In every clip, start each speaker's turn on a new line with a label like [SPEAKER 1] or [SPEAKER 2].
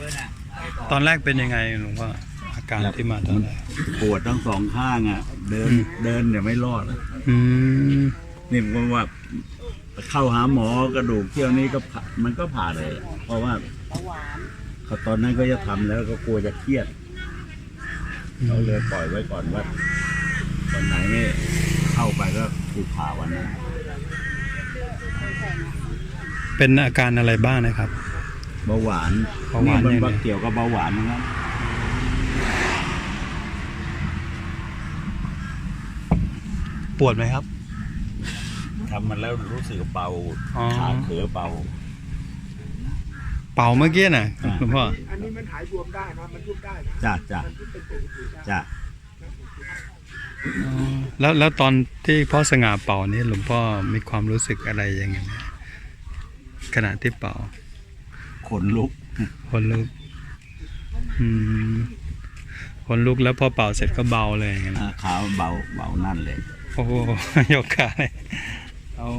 [SPEAKER 1] ตอนแรกเป็นยังไงหลวงพ่ออาการที่มาตอนแรก
[SPEAKER 2] ปวดทั้งสองข้างอ่ะเดินเนี่ยไม่รอด
[SPEAKER 1] อืม
[SPEAKER 2] นี่ผมว่าเข้าหาหมอกระดูกเที่ยวนี้ก็มันก็ผ่าเลยเพราะว่าเขาตอนนั้นก็จะทำแล้วก็กลัวจะเครียดเราเลยปล่อยไว้ก่อนว่าวันไหนไม่เข้าไปก็ถูกผ่าวันนั้น
[SPEAKER 1] เป็นอาการอะไรบ้างนะครับ
[SPEAKER 2] เบาหวานนี่มันเกี่ยวกับเบาหวานนะครับ
[SPEAKER 1] ปวดไหมครับ
[SPEAKER 2] ทำมันแล้วรู้สึกเบาขาเขือเบา
[SPEAKER 1] เป่าเมื่อกี้น่ะหลวงพ่อ
[SPEAKER 3] อันนี้มันหายบวมได้นะมันยุบได้นะ
[SPEAKER 2] จ้ะจ้ะ
[SPEAKER 1] แล้วตอนที่พ่อสง่าเป่านี่หลวงพ่อมีความรู้สึกอะไรยังไงขณะที่เป่า
[SPEAKER 2] ขนลุก
[SPEAKER 1] ขนลุกขนลุกแล้วพอเป่าเสร็จก็เบาเลยอย่างเงี้ย
[SPEAKER 2] ขาเบานั่นเลย
[SPEAKER 1] โอ้โหยกขาเลยโอ้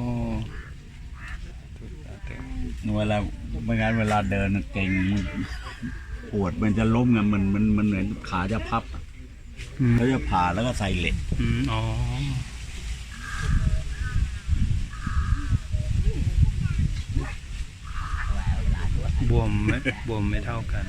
[SPEAKER 2] เวลาไม่งั้นเวลาเดินเก่งปวดมันจะล้มไงมันเหมือนขาจะพับแล้วจะผ่าแล้วก็ใส่เหล็ก
[SPEAKER 1] อ๋อบวมไม่เท่ากัน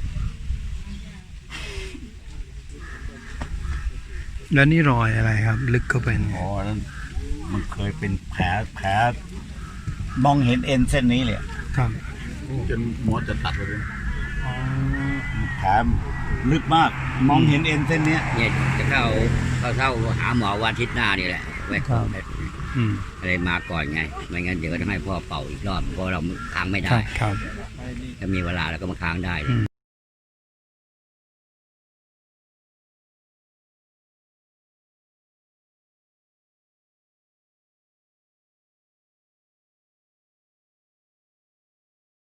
[SPEAKER 1] แล้วนี่รอยอะไรครับลึกเข้าไป
[SPEAKER 2] อ๋อนั่นมันเคยเป็นแผลมองเห็นเอ็นเส้นนี้เลย
[SPEAKER 1] ครับ
[SPEAKER 2] จนหมอจะตัดเลยแผลลึกมากมองเห็นเอ็นเส้นนี้
[SPEAKER 4] เนี่ยจะเข้าหาหมอวันอาทิตย์หน้านี่แหละไว้ก่อนอะไรมาก่อนไงไม่งั้นเดี๋ยวก็ต้องให้พ่อเป่าอีกรอบเพราะเราค้างไม่ได้
[SPEAKER 1] ครับ
[SPEAKER 4] ถ้ามีเวลาเราก็มาค้างได้